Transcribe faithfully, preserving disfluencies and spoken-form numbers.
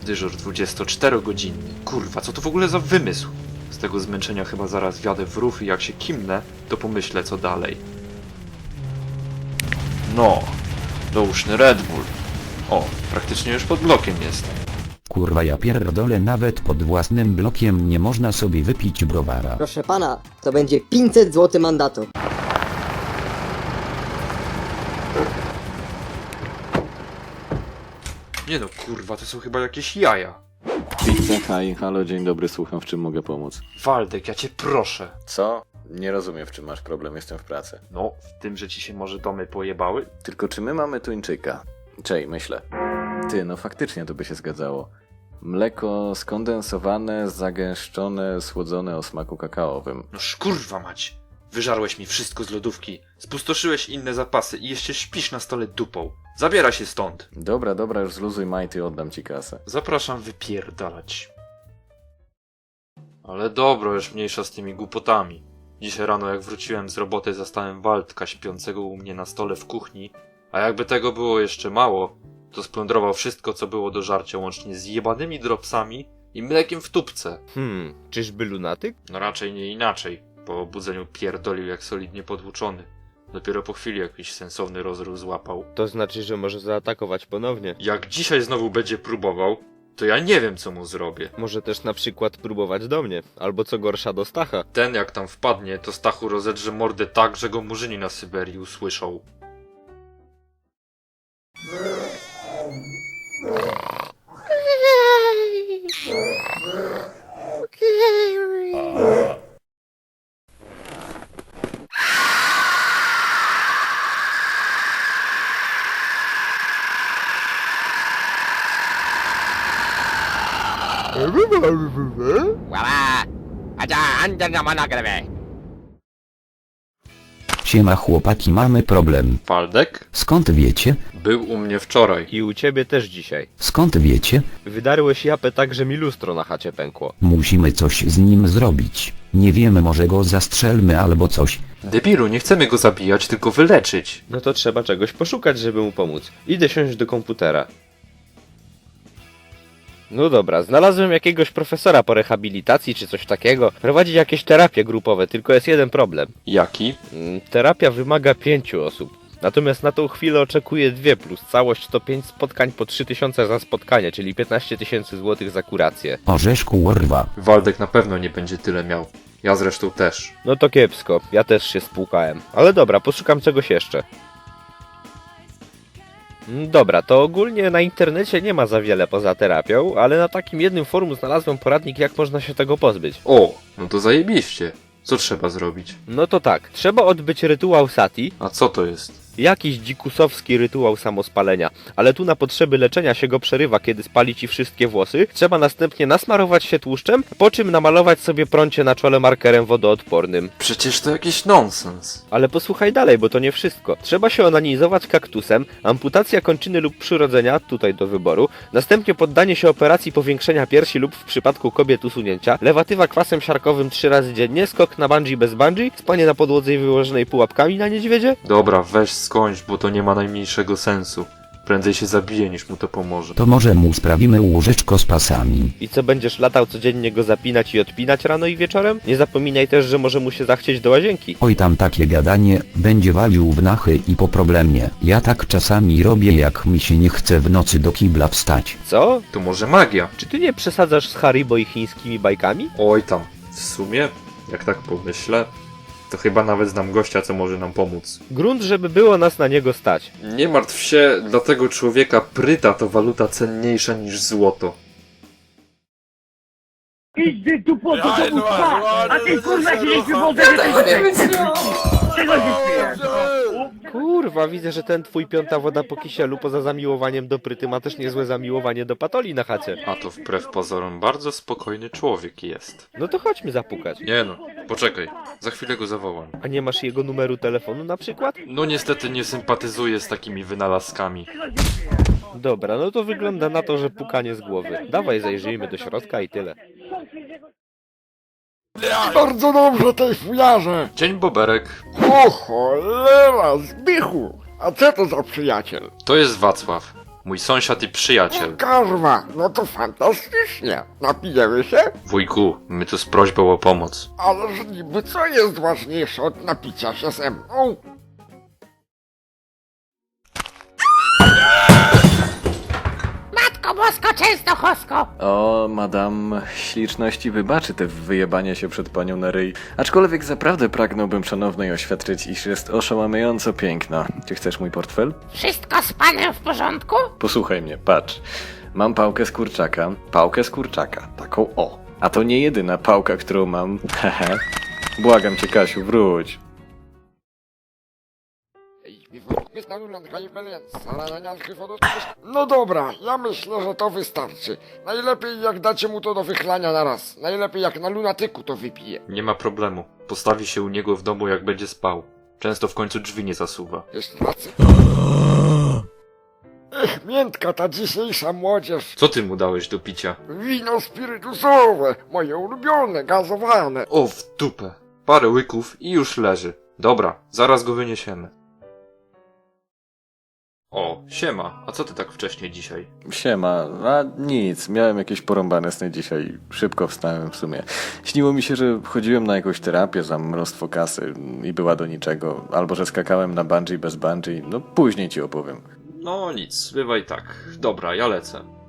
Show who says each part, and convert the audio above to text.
Speaker 1: Dyżur dwudziestoczterogodzinny. Kurwa, co to w ogóle za wymysł? Z tego zmęczenia chyba zaraz wjadę w rów i jak się kimnę, to pomyślę co dalej. No, dołóżny Red Bull. O, praktycznie już pod blokiem jest.
Speaker 2: Kurwa ja pierdolę, nawet pod własnym blokiem nie można sobie wypić browara.
Speaker 3: Proszę pana, to będzie pięćset złotych mandatu.
Speaker 1: Nie no, kurwa, to są chyba jakieś jaja.
Speaker 4: Pizza, hi, halo, dzień dobry, słucham, w czym mogę pomóc?
Speaker 1: Waldek, ja cię proszę.
Speaker 4: Co? Nie rozumiem, w czym masz problem, jestem w pracy.
Speaker 1: No, w tym, że ci się może domy pojebały?
Speaker 4: Tylko czy my mamy tuńczyka? Czej, myślę. Ty, no faktycznie to by się zgadzało. Mleko skondensowane, zagęszczone, słodzone o smaku kakaowym.
Speaker 1: No szkurwa mać. Wyżarłeś mi wszystko z lodówki, spustoszyłeś inne zapasy i jeszcze śpisz na stole dupą. Zabieraj się stąd.
Speaker 4: Dobra, dobra, już zluzuj majty, oddam ci kasę.
Speaker 1: Zapraszam wypierdalać. Ale dobra, już mniejsza z tymi głupotami. Dzisiaj rano jak wróciłem z roboty, zastałem Waldka śpiącego u mnie na stole w kuchni, a jakby tego było jeszcze mało, to splądrował wszystko co było do żarcia łącznie z jebanymi dropsami i mlekiem w tubce.
Speaker 5: Hmm, czyżby lunatyk?
Speaker 1: No raczej nie inaczej. Po obudzeniu pierdolił jak solidnie podwłóczony. Dopiero po chwili jakiś sensowny rozruch złapał.
Speaker 5: To znaczy, że może zaatakować ponownie.
Speaker 1: Jak dzisiaj znowu będzie próbował, to ja nie wiem co mu zrobię.
Speaker 5: Może też na przykład próbować do mnie, albo co gorsza do Stacha.
Speaker 1: Ten jak tam wpadnie, to Stachu rozedrze mordę tak, że go murzyni na Syberii usłyszą.
Speaker 2: Siema chłopaki, mamy problem.
Speaker 1: Waldek?
Speaker 2: Skąd wiecie?
Speaker 1: Był u mnie wczoraj.
Speaker 5: I u ciebie też dzisiaj.
Speaker 2: Skąd wiecie?
Speaker 5: Wydarłeś japę tak, że mi lustro na chacie pękło.
Speaker 2: Musimy coś z nim zrobić. Nie wiemy, może go zastrzelmy albo coś.
Speaker 1: Debilu, nie chcemy go zabijać, tylko wyleczyć.
Speaker 5: No to trzeba czegoś poszukać, żeby mu pomóc. Idę siąść do komputera. No dobra, znalazłem jakiegoś profesora po rehabilitacji czy coś takiego. Prowadzi jakieś terapie grupowe, tylko jest jeden problem.
Speaker 1: Jaki?
Speaker 5: Mm, Terapia wymaga pięciu osób. Natomiast na tą chwilę oczekuję dwie plus całość to pięć spotkań po trzy tysiące za spotkanie, czyli piętnaście tysięcy złotych za kurację.
Speaker 2: Orzeszku urwa.
Speaker 1: Waldek na pewno nie będzie tyle miał. Ja zresztą też.
Speaker 5: No to kiepsko, ja też się spłukałem. Ale dobra, poszukam czegoś jeszcze. Mm, Dobra, to ogólnie na internecie nie ma za wiele poza terapią, ale na takim jednym forum znalazłem poradnik, jak można się tego pozbyć.
Speaker 1: O, no to zajebiście. Co trzeba zrobić?
Speaker 5: No to tak, trzeba odbyć rytuał sati,
Speaker 1: A co to jest?
Speaker 5: jakiś dzikusowski rytuał samospalenia, ale tu na potrzeby leczenia się go przerywa, kiedy spali ci wszystkie włosy. Trzeba następnie nasmarować się tłuszczem, po czym namalować sobie prącie na czole markerem wodoodpornym.
Speaker 1: Przecież to jakiś nonsens.
Speaker 5: Ale posłuchaj dalej, bo to nie wszystko. Trzeba się onanizować kaktusem, amputacja kończyny lub przyrodzenia, tutaj do wyboru, następnie poddanie się operacji powiększenia piersi lub w przypadku kobiet usunięcia, lewatywa kwasem siarkowym trzy razy dziennie, skok na bungee bez bungee, spanie na podłodze wyłożonej pułapkami na niedźwiedzie.
Speaker 1: Dobra, weź skończ, bo to nie ma najmniejszego sensu. Prędzej się zabije, niż mu to pomoże.
Speaker 2: To może mu sprawimy łóżeczko z pasami.
Speaker 5: I co, będziesz latał codziennie go zapinać i odpinać rano i wieczorem? Nie zapominaj też, że może mu się zachcieć do łazienki.
Speaker 2: Oj tam takie gadanie, będzie walił w nachy i po problemie. Ja tak czasami robię, jak mi się nie chce w nocy do kibla wstać.
Speaker 5: Co?
Speaker 1: To może magia?
Speaker 5: Czy ty nie przesadzasz z Haribo i chińskimi bajkami?
Speaker 1: Oj tam. W sumie, jak tak pomyślę, to chyba nawet znam gościa, co może nam pomóc.
Speaker 5: Grunt, żeby było nas na niego stać.
Speaker 1: Nie martw się, dla tego człowieka pryta to waluta cenniejsza niż złoto.
Speaker 6: Idź ty tu po co to spać, a ty kurwa się nie przywodzę, że tego Czego się śmiejesz?
Speaker 5: Kurwa, widzę, że ten twój piąta woda po kisielu poza zamiłowaniem do pryty ma też niezłe zamiłowanie do patoli na chacie.
Speaker 1: A to wbrew pozorom bardzo spokojny człowiek jest.
Speaker 5: No to chodźmy zapukać.
Speaker 1: Nie no, poczekaj, za chwilę go zawołam.
Speaker 5: A nie masz jego numeru telefonu na przykład?
Speaker 1: No niestety nie sympatyzuję z takimi wynalazkami.
Speaker 5: Dobra, no to wygląda na to, że pukanie z głowy. Dawaj, zajrzyjmy do środka i tyle.
Speaker 7: Bardzo dobrze tej fujarze!
Speaker 1: Dzień Boberek.
Speaker 7: O cholera, Zbichu! A co to za przyjaciel?
Speaker 1: To jest Wacław. mój sąsiad i przyjaciel.
Speaker 7: Kurwa, no to fantastycznie. Napijemy się?
Speaker 1: Wujku, my tu z prośbą o pomoc.
Speaker 7: Ależ niby co jest ważniejsze od napicia się ze mną?
Speaker 6: Matko bosko, często chosko!
Speaker 4: O, madam śliczności wybaczy te wyjebanie się przed panią na ryj. Aczkolwiek zaprawdę pragnąłbym szanownej oświadczyć, iż jest oszałamiająco piękna. Czy chcesz mój portfel?
Speaker 6: Wszystko z panem w porządku?
Speaker 4: Posłuchaj mnie, patrz. Mam pałkę z kurczaka, pałkę z kurczaka, taką o. A to nie jedyna pałka, którą mam. Hehe. Błagam cię, Kasiu, wróć.
Speaker 7: No dobra, ja myślę, że to wystarczy. Najlepiej jak dacie mu to do wychlania na raz. Najlepiej jak na lunatyku to wypije.
Speaker 1: Nie ma problemu. Postawi się u niego w domu, jak będzie spał. Często w końcu drzwi nie zasuwa.
Speaker 7: Jeszcze raz. Ech, miętka ta dzisiejsza młodzież.
Speaker 1: Co ty mu dałeś do picia?
Speaker 7: Wino spirytusowe, moje ulubione, gazowane.
Speaker 1: O, w dupę. Parę łyków i już leży. Dobra, zaraz go wyniesiemy. O, siema. A co ty tak wcześnie dzisiaj?
Speaker 4: Siema, a nic, miałem jakieś porąbane sny dzisiaj, szybko wstałem w sumie. Śniło mi się, że chodziłem na jakąś terapię za mnóstwo kasy i była do niczego, albo że skakałem na bungee bez bungee, no później ci opowiem.
Speaker 1: No nic, bywaj tak. Dobra, ja lecę.